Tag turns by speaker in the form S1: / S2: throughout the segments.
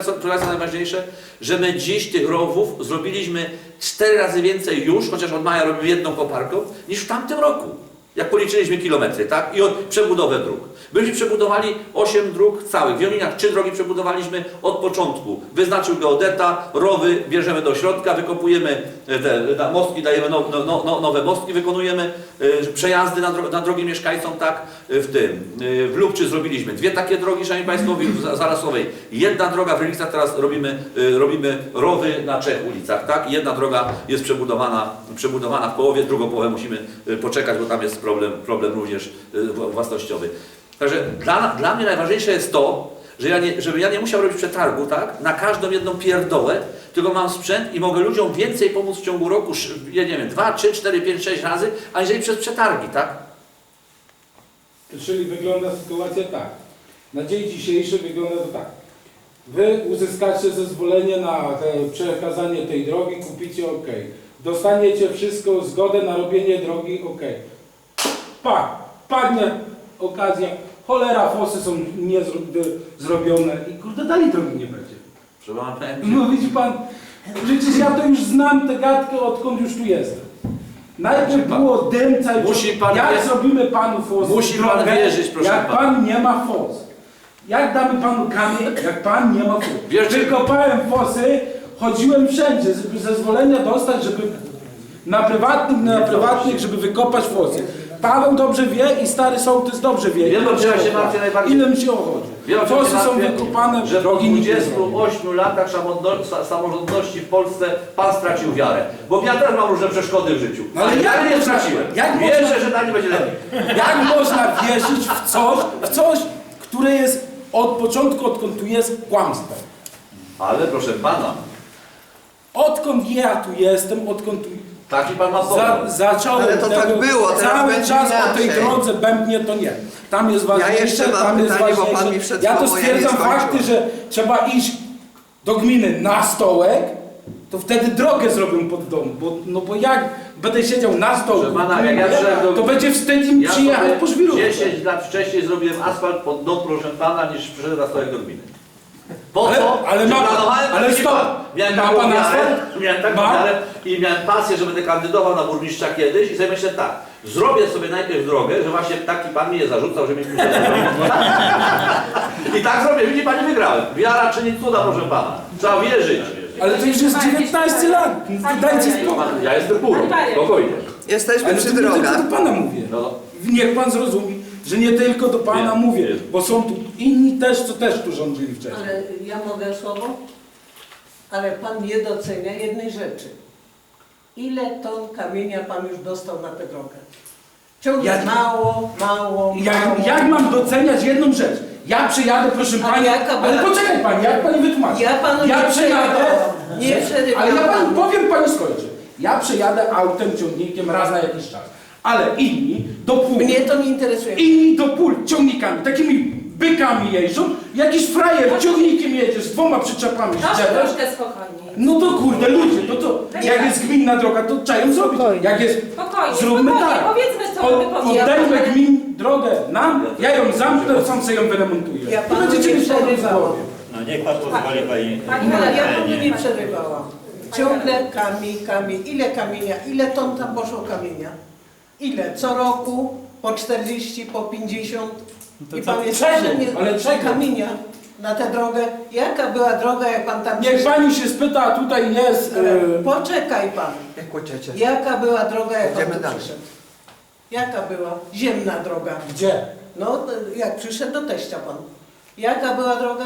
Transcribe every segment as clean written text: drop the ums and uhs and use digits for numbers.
S1: Co jest najważniejsze, że my dziś tych rowów zrobiliśmy 4 razy więcej już, chociaż od maja robimy jedną koparką, niż w tamtym roku. Jak policzyliśmy kilometry, tak? I od przebudowę dróg. Byśmy przebudowali 8 dróg całych. W Joniniach 3 drogi przebudowaliśmy od początku. Wyznaczył geodeta, rowy bierzemy do środka, wykopujemy te mostki, dajemy nowe mostki, wykonujemy przejazdy na drogi mieszkańcom, tak? W Lubczy zrobiliśmy 2 takie drogi, szanowni państwo, w Zarasowej. Jedna droga w Rylicach, teraz robimy rowy na 3 ulicach, tak? Jedna droga jest przebudowana w połowie, drugą połowę musimy poczekać, bo tam jest problem również własnościowy. Także dla mnie najważniejsze jest to, żeby ja nie musiał robić przetargu, tak? Na każdą jedną pierdołę, tylko mam sprzęt i mogę ludziom więcej pomóc w ciągu roku, ja nie wiem, 2, 3, 4, 5, 6 razy, aniżeli przez przetargi, tak?
S2: Czyli wygląda sytuacja tak. Na dzień dzisiejszy wygląda to tak. Wy uzyskacie zezwolenie na przekazanie tej drogi, kupicie OK. Dostaniecie wszystko, zgodę na robienie drogi OK. Padnie okazja, cholera, fosy są zrobione i kurde, dalej drogi nie będzie. No widzi pan, przecież ja to już znam tę gadkę, odkąd już tu jestem. Najpierw było dym cały czas. Jak zrobimy panu fos?
S1: Musi pan wierzyć, proszę
S2: jak
S1: pana.
S2: Pan nie ma fos. Jak damy panu kamień, jak pan nie ma fos? Wykopałem fosy, chodziłem wszędzie, żeby zezwolenia dostać, żeby na prywatnych, żeby wykopać fosy. Paweł dobrze wie i stary sołtys dobrze wie.
S1: Wiem, że ja się martwię najbardziej.
S2: Ile mi się chodzi? Fosy są wykopane,
S1: że po 28 latach samorządności w Polsce pan stracił wiarę. Bo ja też mam różne przeszkody w życiu. Ale ja nie straciłem. Wierzę, że dalej będzie lepiej.
S2: Jak można wierzyć w coś, które jest od początku, odkąd tu jest, kłamstwem?
S1: Ale proszę pana.
S2: Odkąd ja tu jestem, odkąd tu...
S1: Taki pan ma
S2: zacząłem
S3: ale to
S2: tego,
S3: tak było,
S2: cały czas
S3: inaczej.
S2: o tej drodze bębnie to nie. Tam jest ważniejsze,
S3: ja jeszcze mam
S2: tam jest
S3: pytanie, bo
S2: ważniejsze.
S3: pan mi przed
S2: Ja to
S3: chwilą,
S2: stwierdzam
S3: ja nie
S2: fakty, że trzeba iść do gminy na stołek, to wtedy drogę zrobią pod dom. Bo jak będę siedział na stołku, to będzie wstyd im przyjechać po żwiru.
S1: 10 lat wcześniej zrobiłem asfalt pod dom, proszę pana, niż przyszedłem na stołek do gminy. Po co?
S2: Ale stop!
S1: Miałem taką wiarę i miałem pasję, że będę kandydował na burmistrza kiedyś i sobie myślę tak, zrobię sobie najpierw drogę, że właśnie taki pan mi je zarzucał, że mi i tak zrobię, widzi pani, wygrałem. Wiara czyni cuda, proszę pana. Trzeba wierzyć.
S2: Ale to już jest 19 lat. Dajcie spokój.
S1: Ja jestem pół, spokojnie.
S3: Jesteśmy
S2: Ale
S3: przy
S2: to nie tylko
S3: drogach.
S2: do pana mówię.
S1: No.
S2: Niech pan zrozumie, że nie tylko do pana mówię, bo są tu inni też, co też tu rządzili wcześniej.
S4: Ale ja mogę słowo? Ale pan nie docenia jednej rzeczy. Ile ton kamienia pan już dostał na tę drogę? Ciągle mało.
S2: Jak mam doceniać jedną rzecz? Ja przyjadę, proszę pani, ale poczekaj pani, jak pani wytłumaczy?
S4: Ja panu nie przerywam.
S2: Ale ja pani powiem, pani skończy. Ja przejadę autem, ciągnikiem raz na jakiś czas. Ale inni do pól.
S4: Mnie to nie interesuje.
S2: Inni do pól ciągnikami, takimi bykami jeżdżą. Jakiś frajer ciągnikiem jedzie z 2 przyczepami.
S5: Troszkę spokojniej.
S2: No to kurde ludzie, no to jak jest gminna droga, to trzeba ją zrobić. Jak jest, zróbmy tak.
S5: Powiedzmy, co my powiemy.
S2: Oddajmy gmin drogę nam, ja ją zamknę, sam sobie ją wyremontuję.
S4: Ja panu
S2: będziecie
S4: nie
S2: mieć problem w
S4: przerywałam.
S2: głowie.
S6: No niech pan pozwoli pani.
S4: Ja panu nie przerywałam. Ciągle kamień. Ile kamienia? Ile ton tam poszło kamienia? Ile? Co roku? Po 40, po 50? I pan jest
S2: czego?
S4: kamienia na tę drogę. Jaka była droga, jak pan tam
S2: Niech pani się spyta, a tutaj jest...
S4: Poczekaj pan.
S3: Jak kładziecie?
S4: Jaka była droga, jak pan
S3: Idziemy
S4: tu
S3: dalej.
S4: przyszedł? Jaka była? Ziemna droga.
S2: Gdzie?
S4: No, jak przyszedł do teścia pan. Jaka była droga?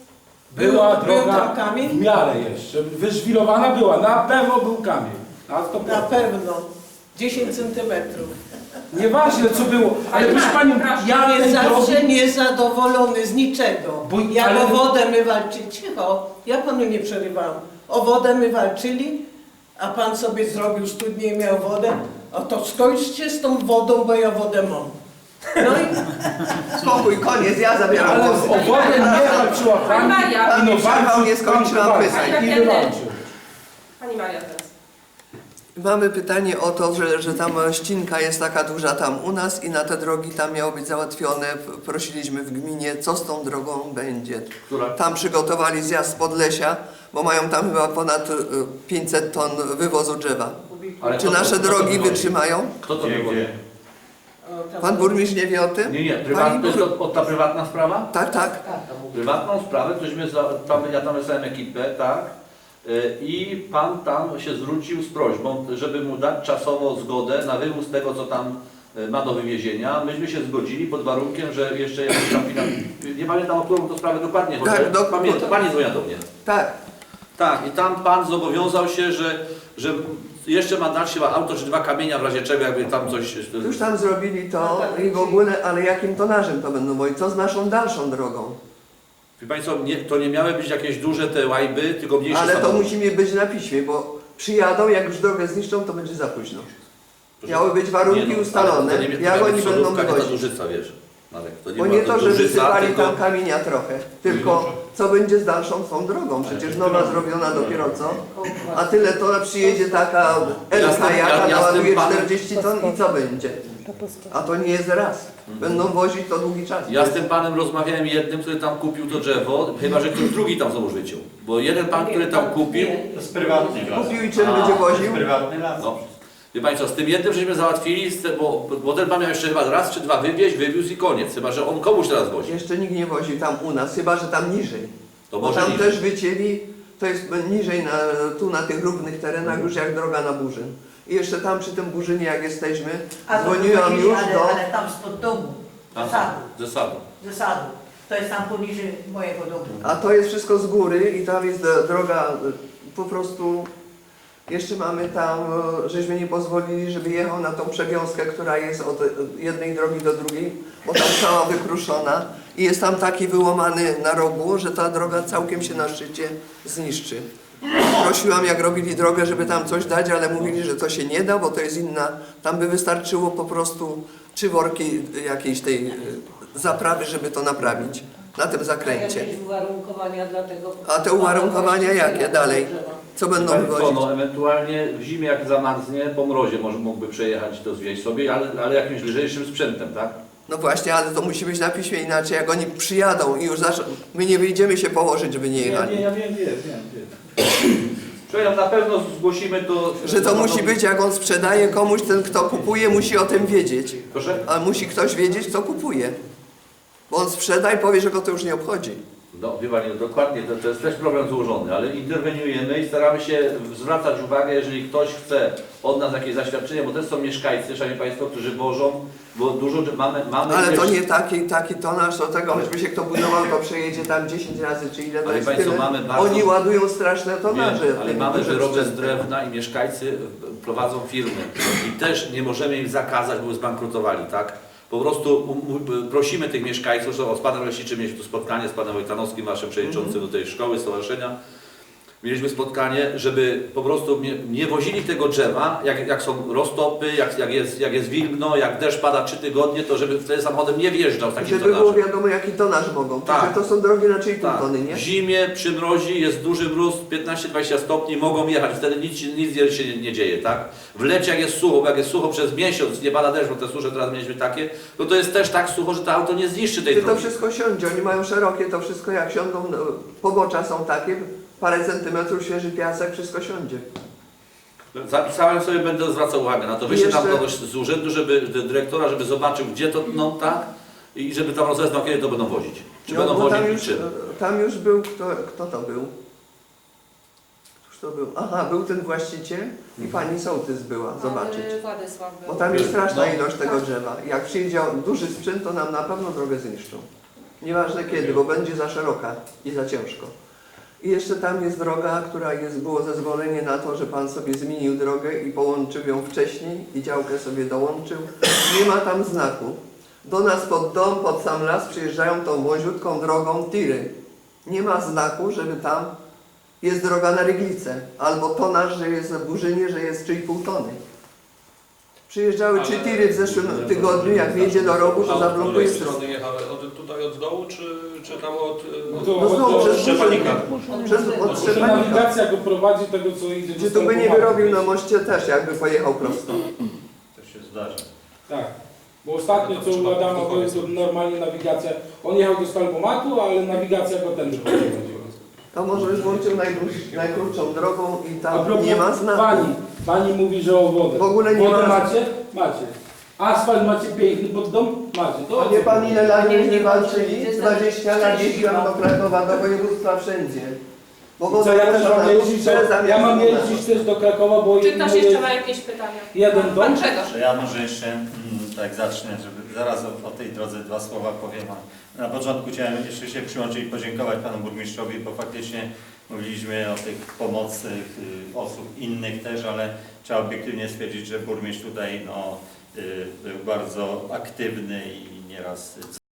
S2: Była
S4: Był
S2: droga
S4: tam kamień?
S2: w miarę jeszcze. Wyżwirowana była, na pewno był kamień.
S4: Na pewno. 10 centymetrów.
S2: Nieważne co było, ale proszę panią, ja
S4: Jest
S2: tej
S4: zawsze
S2: drogi...
S4: niezadowolony z niczego. Jak o wodę my walczyli, cicho, ja panu nie przerywałam. O wodę my walczyli, a pan sobie zrobił studnię i miał wodę, a to skończcie z tą wodą, bo ja wodę mam. No i
S3: Spokój, koniec, ja zabieram
S2: Ale
S3: głos.
S2: o wodę nie walczyła pani
S3: Pan mi przerwał, nie skończyłam pytań.
S2: i wywalczył.
S5: Pani Maria teraz.
S3: Mamy pytanie o to, że tam ścinka jest taka duża tam u nas i na te drogi tam miało być załatwione. Prosiliśmy w gminie, co z tą drogą będzie.
S1: Która?
S3: Tam przygotowali zjazd z Podlesia, bo mają tam chyba ponad 500 ton wywozu drzewa.
S1: Ale
S3: Czy
S1: kto to-
S3: nasze
S1: kto to
S3: drogi
S1: wywozi?
S3: wytrzymają?
S1: Kto to
S6: Gdzie,
S1: wywozi?
S6: gdzie?
S3: Pan burmistrz nie wie o tym?
S1: Nie,
S3: Pani
S1: to jest ta prywatna sprawa?
S3: Tak, tak.
S1: Prywatną sprawę, ja tam wysłałem ekipę, tak? I pan tam się zwrócił z prośbą, żeby mu dać czasowo zgodę na wywóz tego, co tam ma do wywiezienia. Myśmy się zgodzili pod warunkiem, że jeszcze jakiś tam nie pamiętam, o którą to sprawę dokładnie chodzi.
S3: Tak,
S1: Pamiętam, pani dzwoniła do mnie.
S3: Tak.
S1: Tak, i tam pan zobowiązał się, że jeszcze ma dać chyba auto czy 2 kamienia w razie czego, jakby tam coś...
S3: Już tam zrobili to i w ogóle, ale jakim tonażem to będą wozić? Co z naszą dalszą drogą?
S1: Wie państwo, to nie miały być jakieś duże te łajby, tylko mniejsze
S3: Ale to
S1: samochody.
S3: musi być na piśmie, bo przyjadą, jak już drogę zniszczą, to będzie za późno.
S1: Proszę-
S3: Miały być warunki
S1: Nie no,
S3: ustalone,
S1: ale to nie- to
S3: jak
S1: miała
S3: oni
S1: być
S3: będą
S1: solówka, nie ta
S3: wywozić.
S1: Dużyca, wiesz, Marek, to
S3: Bo
S1: była
S3: nie to, że
S1: Dużyca,
S3: wysypali
S1: tylko-
S3: tam kamienia trochę, tylko co będzie z dalszą tą drogą? Przecież nowa zrobiona dopiero co? A tyle to przyjedzie taka Elka, jaka naładuje 40 ton i co będzie? A to nie jest raz. Będą wozić to długi czas.
S1: Ja z tym panem rozmawiałem jednym, który tam kupił to drzewo, chyba że ktoś drugi tam znowu życił. Bo jeden pan, który tam kupił,
S6: To jest prywatny las.
S3: Kupił i czym będzie
S6: To jest
S3: woził?
S6: prywatny las.
S1: no, wie państwo, z tym jednym żeśmy załatwili, bo ten pan miał jeszcze chyba raz czy 2 wywieźć, wywiózł i koniec. Chyba że on komuś teraz wozi.
S3: Jeszcze nikt nie wozi tam u nas, chyba że tam niżej.
S1: To
S3: Bo
S1: może
S3: tam
S1: niżej.
S3: też wycięli, to jest niżej, tu na tych równych terenach już jak droga na Burzyn. I jeszcze tam przy tym Burzynie jak jesteśmy, dzwoniłam już do...
S7: Ale tam spod domu, z sadu,
S1: Ze sadu.
S7: ze sadu. To jest tam poniżej mojego domu.
S3: A to jest wszystko z góry i tam jest droga po prostu... Jeszcze mamy tam, żeśmy nie pozwolili, żeby jechał na tą przewiązkę, która jest od jednej drogi do drugiej, bo tam cała wykruszona i jest tam taki wyłamany na rogu, że ta droga całkiem się na szczycie zniszczy. Prosiłam, jak robili drogę, żeby tam coś dać, ale mówili, że to się nie da, bo to jest inna. Tam by wystarczyło po prostu 3 worki jakiejś tej zaprawy, żeby to naprawić na tym zakręcie.
S5: Jakieś uwarunkowania dla tego?
S3: A te uwarunkowania jakie dalej? Co będą
S1: Państwo,
S3: wywozić?
S1: no, ewentualnie w zimie jak zamarznie, po mrozie mógłby przejechać i to zwieźć sobie, ale jakimś lżejszym sprzętem, tak?
S3: No właśnie, ale to musi być na piśmie, inaczej jak oni przyjadą i już my nie wyjdziemy się położyć, żeby nie jechali.
S2: Ja wiem.
S1: Przepraszam, na pewno zgłosimy to...
S3: Że to musi być, jak on sprzedaje komuś, ten kto kupuje musi o tym wiedzieć.
S1: Proszę?
S3: A musi ktoś wiedzieć, kto kupuje. Bo on sprzeda i powie, że go to już nie obchodzi.
S1: No, wie Pani, no, dokładnie, to jest też problem złożony, ale interweniujemy i staramy się zwracać uwagę, jeżeli ktoś chce od nas jakieś zaświadczenie, bo też są mieszkańcy, szanowni Państwo, którzy wożą, bo dużo mamy
S3: Ale
S1: też,
S3: to nie taki tonaż, do tego, choćby się kto budował, to przejedzie tam 10 razy, czy ile to
S1: Ale
S3: jest
S1: państwo,
S3: tyle.
S1: mamy bardzo-
S3: Oni ładują straszne tonaże.
S1: ale
S3: tym
S1: mamy
S3: dużym
S1: wyroby z
S3: sprzętem.
S1: drewna i mieszkańcy prowadzą firmy i też nie możemy im zakazać, bo zbankrutowali, tak? Po prostu prosimy tych mieszkańców, że z panem leśniczym mieliśmy tu spotkanie z panem Wojtanowskim, waszym przewodniczącym do tej szkoły, stowarzyszenia. Mieliśmy spotkanie, żeby po prostu nie wozili tego drzewa, jak są roztopy, jak jest wilgno, jak deszcz pada 3 tygodnie, to żeby wtedy samochodem nie wjeżdżał z takim
S3: Żeby było
S1: tonażem.
S3: wiadomo, jaki tonaż mogą.
S1: Tak.
S3: Tak. To są drogi na 3,5
S1: Tak.
S3: tony, nie?
S1: W zimie, przy mrozi, jest duży mróz, 15-20 stopni, mogą jechać, wtedy nic się nie dzieje, tak? W lecie jak jest sucho, bo jak jest sucho przez miesiąc, nie pada deszcz, bo te susze teraz mieliśmy takie, no to jest też tak sucho, że to auto nie zniszczy tej
S3: Czy to
S1: drogi.
S3: wszystko siądzie, oni mają szerokie, to wszystko jak siądą, no, pobocza są takie, parę centymetrów, świeży piasek, wszystko siądzie.
S1: Zapisałem sobie, będę zwracał uwagę na to. Wyślę tam
S3: Jeszcze-
S1: kogoś z urzędu, dyrektora, żeby zobaczył, gdzie to tną, tak? I żeby tam rozeznał, kiedy to będą wozić. Czy
S3: No,
S1: będą
S3: bo
S1: wozić
S3: tam
S1: i
S3: już,
S1: czym.
S3: tam już był, kto to był? Któż to był? Aha, był ten właściciel i pani sołtys była, zobaczyć.
S5: Władysław był.
S3: Bo tam jest straszna
S1: No.
S3: ilość tego drzewa. Jak przyjdzie duży sprzęt, to nam na pewno drogę zniszczą. Nieważne kiedy, bo będzie za szeroka i za ciężko. I jeszcze tam jest droga, która było zezwolenie na to, że pan sobie zmienił drogę i połączył ją wcześniej i działkę sobie dołączył. Nie ma tam znaku. Do nas pod dom, pod sam las przyjeżdżają tą wąziutką drogą tiry. Nie ma znaku, żeby tam jest droga na Ryglicę. Albo tonaż, że jest w Burzynie, że jest 3,5 tony. Przyjeżdżały 3 tiry w zeszłym tygodniu, jak wjedzie do rogu, to
S8: A od
S3: zablokuje
S8: której
S3: stronę.
S8: strony jechały? Tutaj od dołu, czy tam od
S3: No znowu przez
S8: Szczepanika?
S3: od
S2: Może
S3: Szczepanika.
S2: nawigacja go prowadzi tego, co idzie do
S3: Czy tu by nie
S2: Stalpomatu.
S3: wyrobił na moście też, jakby pojechał prosto.
S6: To się zdarza.
S2: Tak. Bo ostatnio co u Adama było, to normalnie nawigacja. On jechał do Stalpomatu, ale nawigacja go tędy prowadziła.
S3: To może by włączył najkrótszą drogą i
S2: A
S3: tam
S2: propos
S3: nie ma znaku.
S2: Pani mówi, że o wodę.
S3: W ogóle nie
S2: Wodę
S3: ma.
S2: macie? Macie. Asfalt macie piękny pod dom? Macie. To
S3: A wie pan ile lat
S7: Nie,
S3: nie
S7: nie
S3: walczyli?
S7: walczyli.
S3: 20 lat jeździłam do Krakowa, do województwa wszędzie. Bo
S2: co ja też mam jeździć, ja mam jeździć też do Krakowa, bo
S5: Czy ktoś jeszcze ma jakieś pytania?
S2: jeden dom.
S5: Pan Grzegorz.
S6: Że ja może jeszcze tak zacznę, żeby zaraz o tej drodze dwa słowa powiem. Na początku chciałem jeszcze się przyłączyć i podziękować panu burmistrzowi, bo faktycznie mówiliśmy o tych pomocy osób innych też, ale trzeba obiektywnie stwierdzić, że burmistrz tutaj był bardzo aktywny i nieraz